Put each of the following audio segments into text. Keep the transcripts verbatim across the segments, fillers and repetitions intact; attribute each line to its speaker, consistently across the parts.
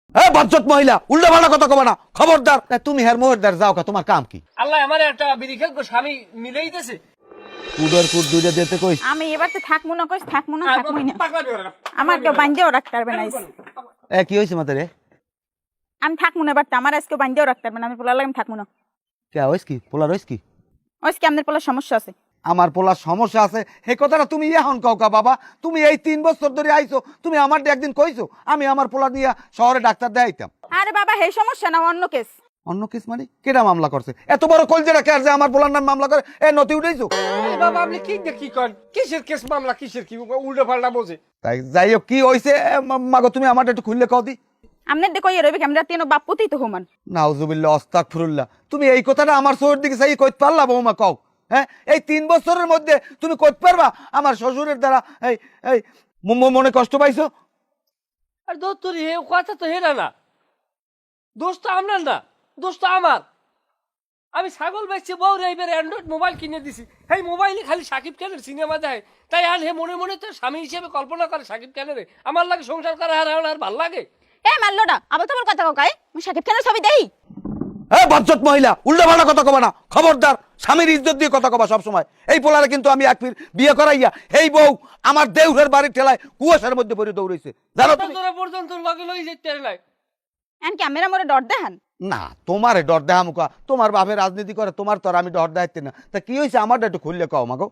Speaker 1: এ বজ্জত মহিলা উল্টা পাল্টা কথা কবা না, খবরদার। তুমি হের মোহরদার যাও কা, তোমার কাম কি?
Speaker 2: আল্লাহ আমার একটা বিড়ি খেয়ে স্বামী মিলেই দিয়েছে।
Speaker 1: কুডর কুড দুইটা দিতে কইস।
Speaker 3: আমি এবার তো থাকবো না, কইস থাকবো না, থাকবোই না।
Speaker 2: পাগলা বেরো না।
Speaker 3: আমার কেউ বান্ধেও রাখতে পারবে না।
Speaker 1: এ কি হইছে মাতে রে?
Speaker 3: আমি থাকবো না, এবার তো আমার আজকে বান্ধেও রাখতে পারবে না। আমি পোলার লাগে থাকবো না।
Speaker 1: কে হইছ কি? পোলার হইছ কি?
Speaker 3: আজকে আপনার পোলার সমস্যা আছে।
Speaker 1: আমার পোলার সমস্যা আছে এই কথাটা তুমি এখন কও কা বাবা? তুমি এই তিন বছর ধরে আইছো, তুমি আমার একদিন কইছো আমি আমার পোলা নিয়ে শহরে ডাক্তার দেখাইতাম?
Speaker 3: আরে বাবা হে সমস্যা না, অন্য কেস।
Speaker 1: অন্য কেস মানে? কেডা মামলা করছে? এত বড় কলজেরা কে যে আমার পোলার নাম মামলা করে? এ নতি উঠাইছো?
Speaker 2: এই বাবা আপনি কি দেখি কন? কিসের কেস মামলা, কিসের কি উল্টো পাল্টা বোঝে?
Speaker 1: তাই যাই হোক, কি হইছে মাগো তুমি আমার একটু খুললে কও দি।
Speaker 3: আপনার দেখো ইয়ে রইবে আমরা তিন বাপুতেই তো হুমান।
Speaker 1: নাউজুবিল্লাহ আস্তাগফিরুল্লাহ। তুমি এই কথাটা আমার শহর দিকে চাই কইতে পারলা বৌমা? কও হ্যাঁ, এই তিন বছরের মধ্যে তুমি কইতে পারবা আমার শ্বশুরের দ্বারা এই এই ম- মনে কষ্ট পাইছো?
Speaker 2: আর দোষ তোর হে কথা তো হেরা না, দোষ তো আপনার না, দোষ তো আমার। আমি ছাগল বেচছি, বউ এইবার অ্যান্ড্রয়েড মোবাইল কিনে দিছি, এই মোবাইলে খালি সাকিব খানের সিনেমা দেয়। তাই আর হে মনে মনে তো স্বামী হিসেবে কল্পনা করে সাকিব খানের। আমার লাগে সংসার করা আর আর ভাল লাগে?
Speaker 3: এ মারলোটা আবার তোমার কথা কাকাই, আমি সাকিব খানের ছবি দেই।
Speaker 1: হ্যাঁ বজ্জত মহিলা উল্টা পাল্টা কথা কবা না, খবরদার। স্বামীর ইজ্জত দিয়ে কথা কবা সব সময়। এই পোলারে কিন্তু আমি এক ফির বিয়ে করাইয়া এই বউ আমার দেউরের বাড়ির ঠেলায় কুয়াশার মধ্যে পড়ে দৌড়াইছে, জানো তুমি?
Speaker 2: তোরা পর্যন্ত লগে লই যেতে নাই।
Speaker 3: এন কি আমরা মোরে ডর দেখান?
Speaker 1: না তোমারে ডর দেহা মুখা, তোমার বাপের রাজনীতি করে, তোমার তো আর আমি ডর দেখাইতে না। তা কি হয়েছে আমারটা একটু খুললে কও মাগো।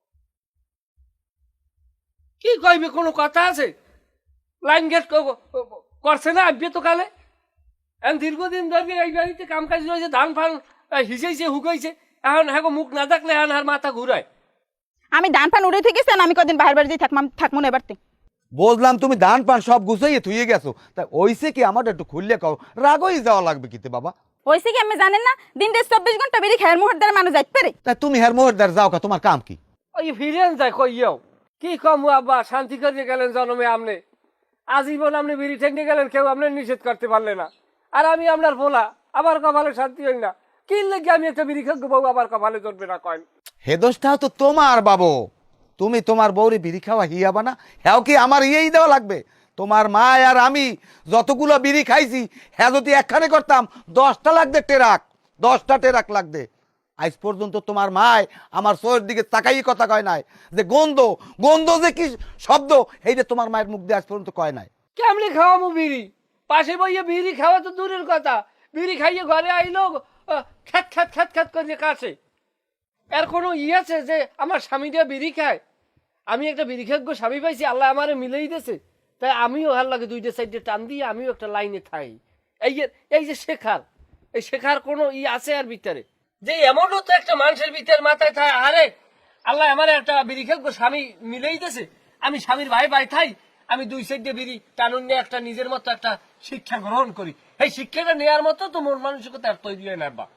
Speaker 2: কি কইবে, কোনো কথা আছে? লাইন গেট করছে না আব্বে তো কালে। এখন দীর্ঘদিন ধরে এই বাড়িতে কাম কাজ রয়েছে, ধান ফান হিসেছে হুকাইছে, এখন হ্যাঁ মুখ না দেখলে এখন আর মাথা ঘুরায়।
Speaker 3: আমি ধান ফান উড়ে থেকে আমি কদিন বাইরে বাড়ি থাকলাম, থাকবো না এবারতে।
Speaker 1: বুঝলাম তুমি ধান পান সব গুছাইয়ে থুয়ে গেছো, তা ওইসে কি আমারটা একটু খুললে কও। রাগই যাওয়া লাগবে কিতে বাবা?
Speaker 3: হয়েছে কি আমি জানেন না, দিন দেড় চব্বিশ ঘন্টা বেরিয়ে খেয়ার মুহূর্তে মানুষ যাইতে পারে।
Speaker 1: তা তুমি হের মোহরদার যাও কা, তোমার কাম কি?
Speaker 2: ওই ফিরেন যায় কইয়াও কি কম আব্বা, শান্তি করে গেলেন জন্মে আমনে, আজীবন আপনি বিড়ি ঠেঙ্গে গেলেন, কেউ আপনার নিষেধ করতে পারলে না। আর আমি আপনার ভোলা, আমার কপালে শান্তি হই না। কি লেগে আমি একটা বিড়ি খেয়ে বউ আবার কপালে জন্মে না কয়েন?
Speaker 1: হে দোষটাও তো তোমার বাবু। তুমি তোমার বউরে বিড়ি খাওয়া হিয়াবা না, হ্যাঁ কি আমার ইয়েই দেওয়া লাগবে? তোমার মা আর আমি যতগুলো বিড়ি খাইছি হ্যাঁ যদি একখানে করতাম দশটা লাগবে টেরাক, দশটা টেরাক লাগবে। আজ পর্যন্ত তোমার মায় আমার চোখের দিকে তাকাই কথা কয় নাই যে গন্ধ, গন্ধ যে কি শব্দ এইটা তোমার মায়ের মুখ দিয়ে আজ পর্যন্ত কয় নাই।
Speaker 2: কেমনি খাওয়ামু বিড়ি? পাশে বইয়ে বিড়ি খাওয়া তো দূরের কথা, বিড়ি খাইয়ে ঘরে আইলো খ্যাত খ্যাত খ্যাত খ্যাত করে কাছে। এর কোনো ই আছে যে আমার স্বামীটা বিড়ি খায়? আমি একটা বিড়ি খেয়ে স্বামী পাইছি, আল্লাহ আমারে মিলেই দিয়েছে। তাই আমিও হার লাগে দুইটা সাইডে টান দিয়ে আমিও একটা লাইনে থাই। এই যে এই যে শেখার, এই শেখার কোনো ই আছে আর ভিতরে যে এমনও তো একটা মানুষের ভিতরে মাথায় থাকে, আরে আল্লাহ আমার একটা বিড়ি খেয়ে স্বামী মিলেই দিয়েছে, আমি স্বামীর ভাই ভাই থাই, আমি দুই সাইডে বিড়ি টানুন নিয়ে একটা নিজের মতো একটা শিক্ষা গ্রহণ করি। এই শিক্ষাটা নেওয়ার মতো তো মন মানসিকতা আর তৈরি হয় না বা।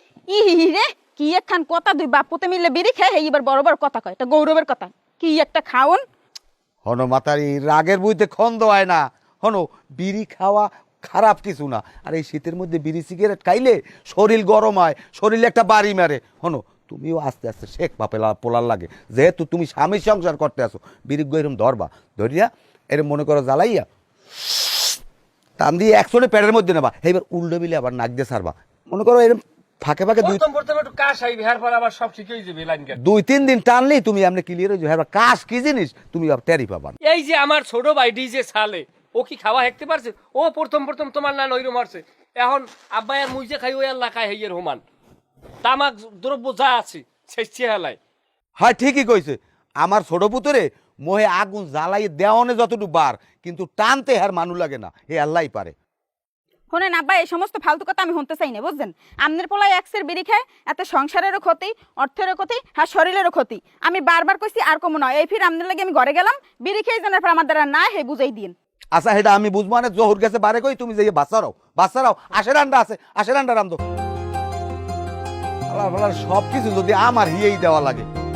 Speaker 3: ই রে কি একখান কথা, দুই বাপুতে মিলে বিড়ি খায়, এইবার বড় বড় কথা কয়, এটা গৌরবের কথা। কি একটা খাওন।
Speaker 1: হনো মাতারি রাগের বইতে খন্দ হয় না। হনো বিড়ি খাওয়া খারাপ কিছু না, আর এই শীতের মধ্যে বিড়ি সিগারেট খাইলে শরীর গরম হয়, শরীরে একটা বাড়ি মারে। হনো তুমিও আস্তে আস্তে শেখ বাপেলা পোলার লাগে, যেহেতু তুমি স্বামী সংসার করতে আসো, বিড়ি এরম ধরবা, ধরিয়া এরম মনে করো জ্বালাইয়া টান দিয়ে একশোটে প্যাডের মধ্যে নেবা, এইবার উল্টো বিলে আবার নাক দিয়ে সারবা। মনে করো এরম ফাঁকে ফাঁকে দুই
Speaker 2: প্রথম প্রথম একটু কাশ আইবে, এর পর আবার সব ঠিক হয়ে যাবে লাইন গেট।
Speaker 1: দুই তিন দিন টানলেই তুমি আপনি ক্লিয়ার হয়ে যাবে। কাশ কি জিনিস তুমি টেরি পাবা।
Speaker 2: এই যে আমার ছোট ভাই ডিজে সালে, ও কি খাওয়া হেঁকতে পারছে? ও প্রথম প্রথম তোমার না নইরো মারছে, এখন আব্বাই আর মুইজে খাই ওই আল্লাহ খাই হইয়ের হোমান তামাক দ্রব্য যা আছে সেই চেহালায়।
Speaker 1: হ্যাঁ ঠিকই কইছে। আমার ছোট পুতরে মোহে আগুন জ্বালাই দেওয়ানে যতটুকু বার, কিন্তু টানতে হার মানু লাগে না, এ আল্লাহই পারে।
Speaker 3: শোনেন আব্বা, এই সমস্ত ফালতু কথা আমি শুনতে চাই না, বুঝছেন? আপনার পোলায় একসের বিড়ি খায়, এত সংসারেরও ক্ষতি, অর্থেরও ক্ষতি, হ্যাঁ শরীরেরও ক্ষতি। আমি বারবার কইছি আর কমো নয়, এই ফির আপনার লাগে আমি ঘরে গেলাম, বিড়ি খেয়ে জানার পর আমার দ্বারা না হে বুঝাই দিন।
Speaker 1: আচ্ছা সেটা আমি বুঝবো না, জহুর গেছে বারে কই তুমি যাইয়ে বাচ্চারাও বাচ্চারাও আশের আন্ডা আছে, আশের আন্ডা রান্ধো। আল্লাহ সব কিছু যদি আমার হিয়েই দেওয়া লাগে।